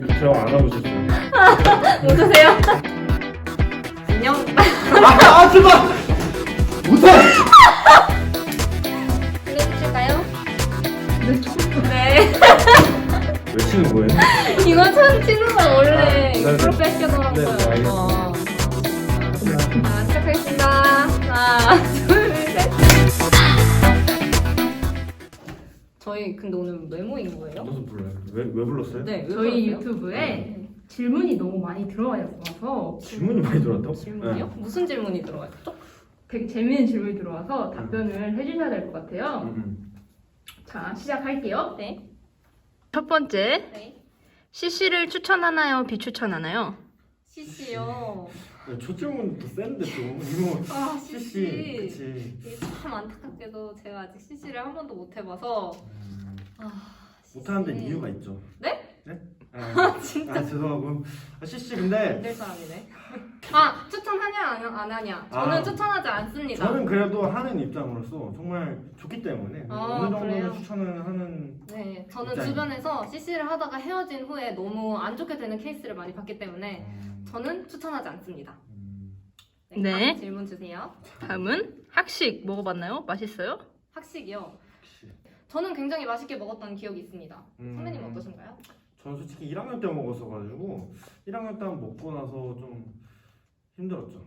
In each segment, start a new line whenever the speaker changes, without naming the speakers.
저랑 안 와보셨어요?
웃으세요? 안녕.
제발! 못해!
보내주실까요? 네.
왜 치는 거예요?
이거 처음 치는 건 원래
네네.
프로페셔널한
네네,
거예요.
알겠습니다.
자, 시작하겠습니다. 하나, 둘, 셋. 저희 근데 오늘 왜 모인 거예요?
저도 몰라요. 왜 불렀어요?
네, 왜
저희
그러세요?
유튜브에
네.
질문이 너무 많이 들어와서
질문이 많이 들어왔다고?
질문이요?
네.
무슨 질문이 들어왔죠?
되게 재밌는 질문이 들어와서 답변을 해주셔야 될 것 같아요. 자, 시작할게요.
네.
첫 번째,
네.
CC를 추천하나요? 비추천하나요?
CC요.
네, 첫 질문부터 센데 좀 이거
아,
CC
CC.
그치.
이게 참 안타깝게도 제가 아직 CC를 한 번도 못 해봐서
못하는데
CC.
이유가 있죠.
네?
네?
진짜
죄송하고 CC 근데
될 사람이네. 아, 추천하냐 안 하냐? 저는
아.
추천하지 않습니다.
저는 그래도 하는 입장으로서 정말 좋기 때문에
아,
어느 정도는
그래요?
추천을 하는
네, 저는
입장이요.
주변에서 CC를 하다가 헤어진 후에 너무 안 좋게 되는 케이스를 많이 봤기 때문에 저는 추천하지 않습니다.
네.
다음 질문 주세요.
다음은 학식 먹어봤나요? 맛있어요?
학식이요.
혹시
저는 굉장히 맛있게 먹었던 기억이 있습니다.
음.
선배님 어떠신가요?
저는 솔직히 1학년 때 먹었어가지고 1학년 때 먹고 나서 좀 힘들었죠.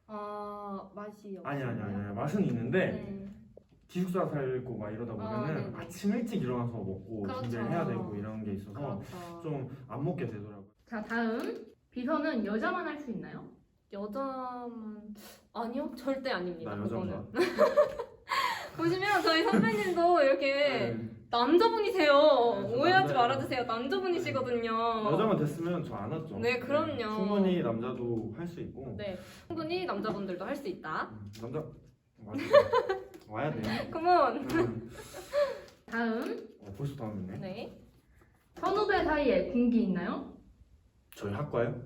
맛이
아니
없었나요?
맛은 있는데
네.
기숙사 살고 막 이러다 보면은
네네.
아침 일찍 일어나서 먹고
그렇죠.
준비를 해야 되고 이런 게 있어서
그렇죠.
좀 안 먹게 되더라고요.
자, 다음. 비서는 여자만 할 수 있나요?
여자만 아니요, 절대 아닙니다.
나
그거는.
여자인가?
보시면 저희 선배님도 이렇게
네.
남자분이세요.
네,
오해하지
네.
말아주세요. 남자분이시거든요.
여자만 됐으면 저 안 왔죠.
네, 그럼요.
충분히 남자도 할 수 있고.
네, 충분히 남자분들도 할 수 있다.
남자 맞아. 와야 돼.
컴온.
다음.
벌써 다음이네.
네.
선후배 사이에 군기 있나요?
저희 학과요?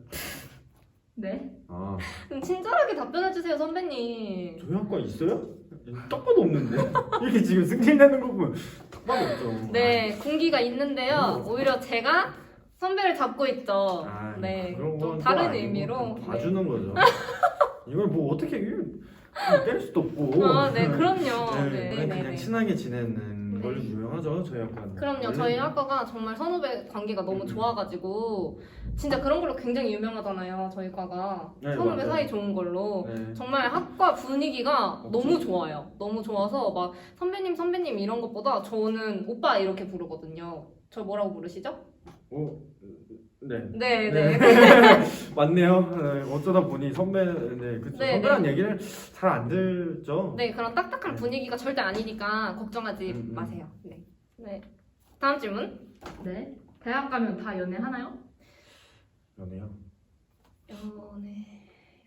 네.
아
좀 친절하게 답변해주세요, 선배님.
저희 학과 있어요? 딱 봐도 없는데 이렇게 지금 승진되는 거 보면 딱 봐도 없죠.
네, 군기가 있는데요. 오히려 제가 선배를 잡고 있죠.
아,
네,
그런
좀
건
다른
또 아니고
의미로.
좀 봐주는 거죠. 이걸 뭐 어떻게 때릴 수도 없고.
네, 그럼요.
네,
네, 네,
그냥
네.
친하게 지내는
네.
걸로 유명하죠 저희 학과는.
그럼요. 저희 학과가 정말 선후배 관계가 너무 좋아가지고 진짜 그런 걸로 굉장히 유명하잖아요. 저희 과가
네,
선후배
맞아요.
사이 좋은 걸로
네.
정말 학과 분위기가
없죠.
너무 좋아요. 너무 좋아서 막 선배님 이런 것보다 저는 오빠 이렇게 부르거든요. 저 뭐라고 부르시죠?
네.
네,
네.
네.
맞네요. 네, 어쩌다 보니 선배, 네, 그쵸.
네,
선배란 얘기를 잘 안 듣죠.
네, 그런 딱딱한 분위기가 절대 아니니까 걱정하지 마세요. 네. 네. 다음 질문.
네. 대학 가면 다 연애하나요?
연애요.
연애.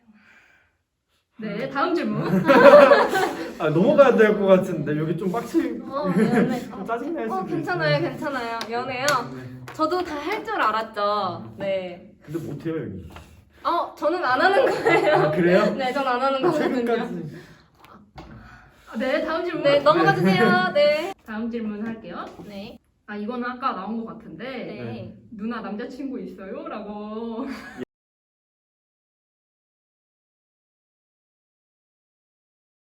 네. 다음 질문.
아 넘어가야 될 것 같은데 여기 좀 빡치.
연애.
좀 짜증날 수도
괜찮아요,
있어요.
괜찮아요. 연애요.
네.
저도 다 할 줄 알았죠. 네.
근데 못해요 여기.
저는 안 하는 거예요.
아 그래요?
네, 전 안 하는 거거든요.
최근까지.
네. 다음 질문.
네, 넘어가 주세요. 네.
다음 질문 할게요.
네.
아, 이거는 아까 나온 것 같은데
네.
누나 남자친구 있어요? 라고